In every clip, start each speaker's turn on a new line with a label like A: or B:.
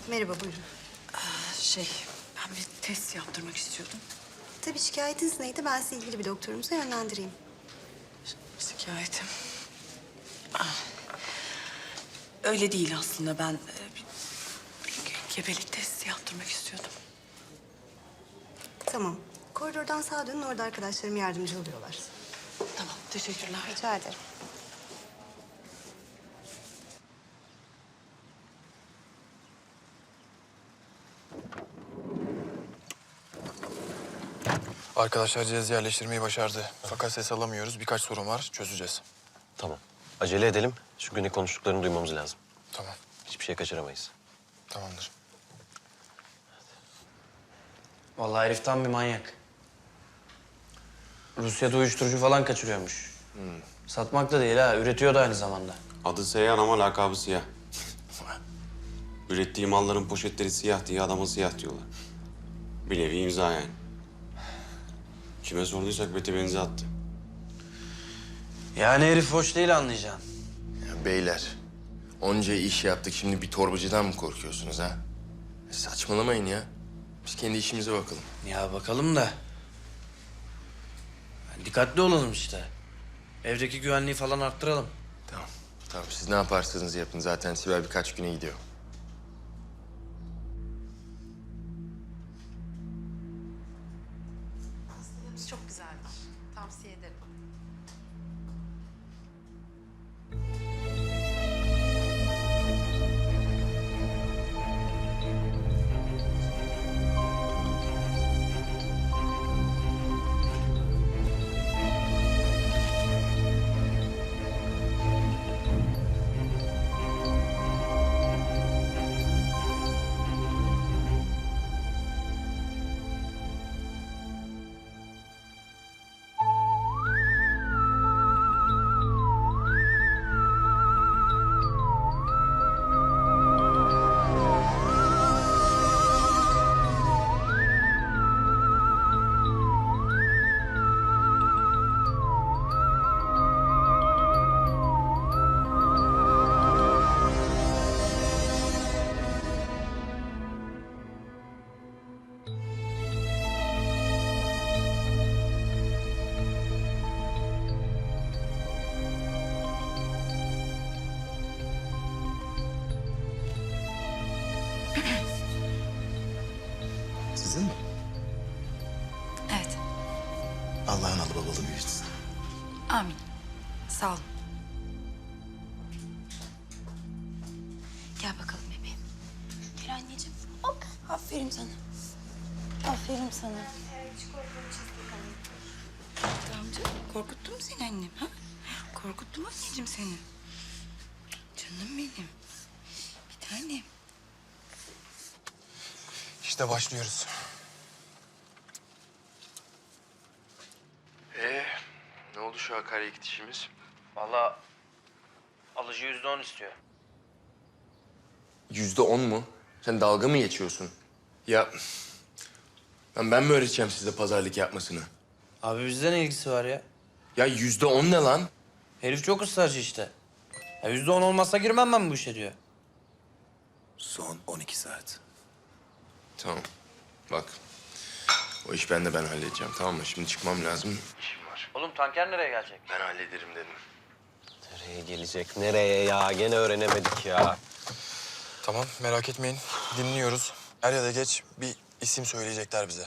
A: Merhaba, buyurun.
B: Ben bir test yaptırmak istiyordum.
A: Tabii şikayetiniz neydi? Ben sizi ilgili bir doktorumuza yönlendireyim.
B: Şikayetim. Öyle değil aslında. Ben bir gebelik testi yaptırmak istiyordum.
A: Tamam. Koridordan sağa dönün, orada arkadaşlarım yardımcı oluyorlar.
B: Tamam, teşekkürler.
A: Rica ederim.
C: Arkadaşlar cihazı yerleştirmeyi başardı. Fakat ses alamıyoruz. Birkaç sorun var. Çözeceğiz.
D: Tamam. Acele edelim. Çünkü ne konuştuklarını duymamız lazım.
C: Tamam.
D: Hiçbir şey kaçıramayız.
C: Tamamdır.
E: Vallahi herif tam bir manyak. Rusya'da uyuşturucu falan kaçırıyormuş. Satmak da değil ha, üretiyor da aynı zamanda.
F: Adı Seyhan ama lakabı Siyah. Ürettiği malların poşetleri siyah diye adama siyah diyorlar. Bir nevi imza yani. Kime sorduysak bete benzi attı.
E: Yani herif hoş değil anlayacaksın.
G: Ya beyler, onca iş yaptık. Şimdi bir torbacıdan mı korkuyorsunuz ha? Saçmalamayın ya. Biz kendi işimize bakalım.
E: Ya bakalım da. Dikkatli olalım işte. Evdeki güvenliği falan arttıralım.
G: Tamam. Tamam, siz ne yaparsanız yapın. Zaten Sibel birkaç güne gidiyor.
A: Pastalarımız çok güzeldir. Tavsiye ederim.
H: Sizin mi?
B: Evet,
H: Allah'ın alı babalı büyütsün.
B: amin. Sağ olun. Gel bakalım bebeğim. Gel anneciğim. Hop, aferin sana. Aferin sana. Amca, korkuttum mu seni annem? Ha? Korkuttum anneciğim seni. Canım benim. Bir tanem.
C: İşte başlıyoruz.
G: Ne oldu şu akaryakıt işimiz?
E: Vallahi alıcı %10 istiyor.
G: %10 mu? Sen dalga mı geçiyorsun? Ya ben mi öğreteceğim size pazarlık yapmasını?
E: Abi bizde ne ilgisi var ya?
G: Ya %10 ne lan?
E: Herif çok ısrarcı işte. Ya %10 olmazsa girmem ben bu işe diyor.
H: Son 12 saat.
G: Tamam. Bak. O iş ben halledeceğim, tamam mı? Şimdi çıkmam lazım. İşim var.
E: Oğlum tanker nereye gelecek?
G: Ben hallederim dedim.
D: Nereye gelecek? Nereye ya? Gene öğrenemedik ya.
C: Tamam, merak etmeyin. Dinliyoruz. Er ya da geç bir isim söyleyecekler bize.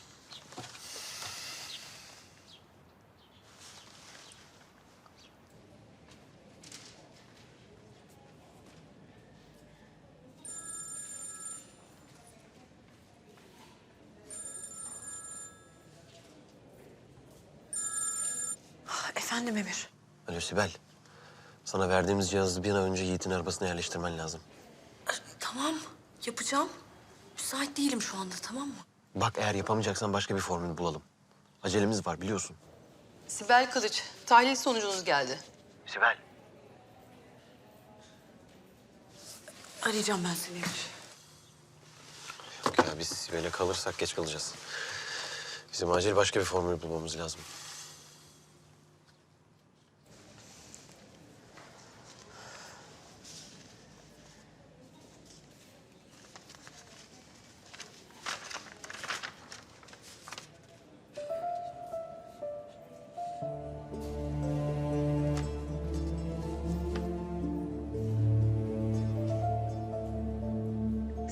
B: Efendim Emir.
D: Alo Sibel. Sana verdiğimiz cihazı bir an önce Yiğit'in arabasına yerleştirmen lazım.
B: Tamam, yapacağım. Müsait değilim şu anda, tamam mı?
D: Bak eğer yapamayacaksan başka bir formül bulalım. Acelemiz var biliyorsun.
I: Sibel Kılıç, tahlil sonucunuz geldi.
D: Sibel.
B: Arayacağım ben seni Emir.
D: Yok ya biz Sibel'e kalırsak geç kalacağız. Bizim acil başka bir formül bulmamız lazım.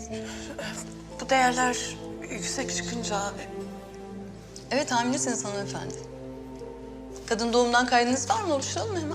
B: Bu değerler yüksek çıkınca...
I: Evet, hamilesiniz hanımefendi. Kadın doğumdan kaydınız var mı? Oluşturalım mı hemen?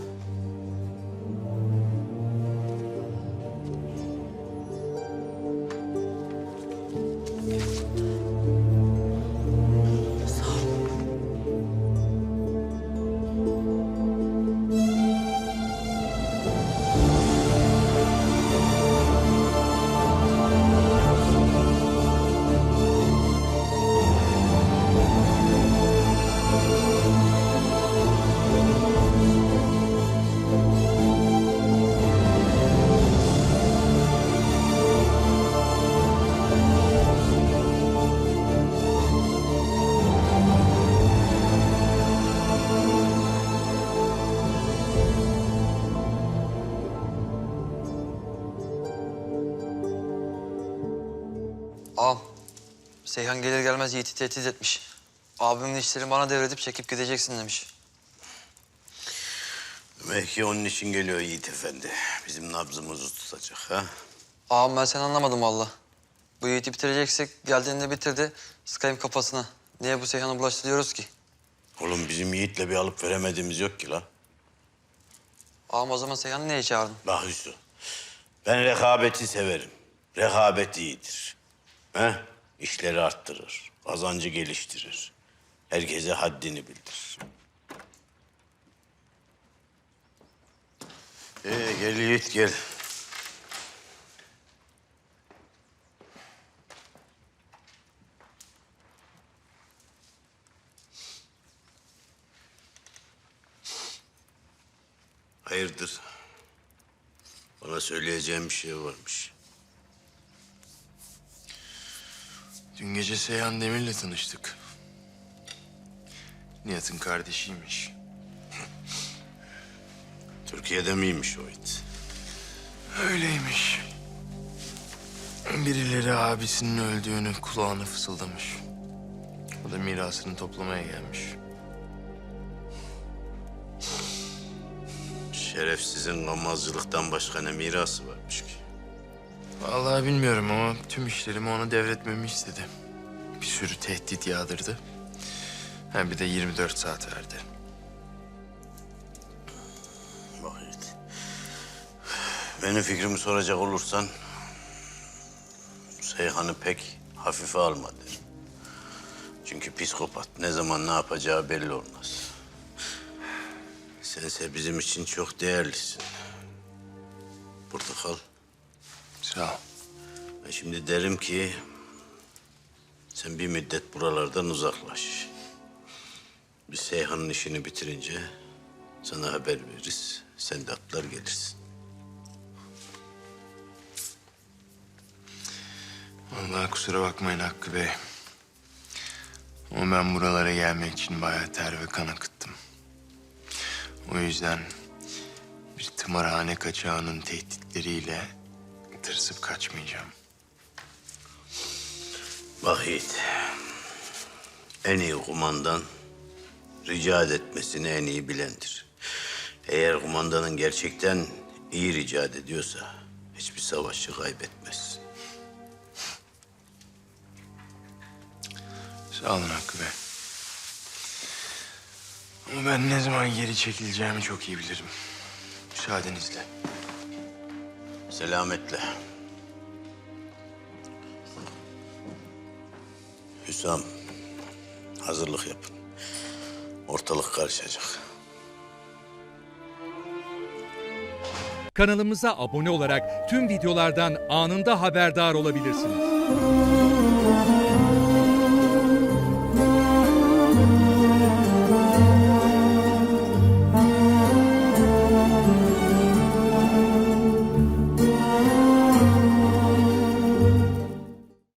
E: Ağam, Seyhan gelir gelmez Yiğit'i tehdit etmiş. Abimin işlerini bana devredip çekip gideceksin demiş.
H: Demek ki onun için geliyor Yiğit Efendi. Bizim nabzımızı tutacak ha?
E: Ağam ben seni anlamadım valla. Bu Yiğit'i bitireceksek geldiğinde bitirdi. Sıkayım kafasına. Niye bu Seyhan'a bulaştırıyoruz ki?
H: Oğlum bizim Yiğit'le bir alıp veremediğimiz yok ki la.
E: Ağam o zaman Seyhan'ı niye çağırdın?
H: Bak Hüsnü, ben rekabeti severim. Rekabet iyidir. He? İşleri arttırır, kazancı geliştirir. Herkese haddini bildir. Gel Yiğit gel. Hayırdır? Bana söyleyeceğim bir şey varmış.
G: Dün gece Seyhan Demir'le tanıştık. Nihat'ın kardeşiymiş.
H: Türkiye'de miymiş o it?
G: Öyleymiş. Birileri abisinin öldüğünü kulağına fısıldamış. O da mirasını toplamaya gelmiş.
H: Şerefsizin gammazcılıktan başka ne mirası varmış ki?
G: Vallahi bilmiyorum ama tüm işlerimi ona devretmemi istedi. Bir sürü tehdit yağdırdı. Ha bir de 24 saat verdi.
H: Bak Yiğit. Benim fikrimi soracak olursan... Seyhan'ı pek hafife alma derim. Çünkü psikopat ne zaman ne yapacağı belli olmaz. Sense bizim için çok değerlisin. Burada kal.
G: Sağ ol.
H: Ben şimdi derim ki... Sen bir müddet buralardan uzaklaş. Biz Seyhan'ın işini bitirince sana haber veririz. Sen de atlar gelirsin.
G: Vallahi kusura bakmayın Hakkı Bey. Ama ben buralara gelmek için bayağı ter ve kan akıttım. O yüzden bir tımarhane kaçağının tehditleriyle tırsıp kaçmayacağım.
H: Bak Yiğit, en iyi kumandan ricat etmesini en iyi bilendir. Eğer kumandanın gerçekten iyi ricat ediyorsa hiçbir savaşçı kaybetmez.
G: Sağ olun Hakkı Bey. Ama ben ne zaman geri çekileceğimi çok iyi bilirim. Müsaadenizle.
H: Selametle. Hüsam, hazırlık yapın. Ortalık karışacak.
J: Kanalımıza abone olarak tüm videolardan anında haberdar olabilirsiniz.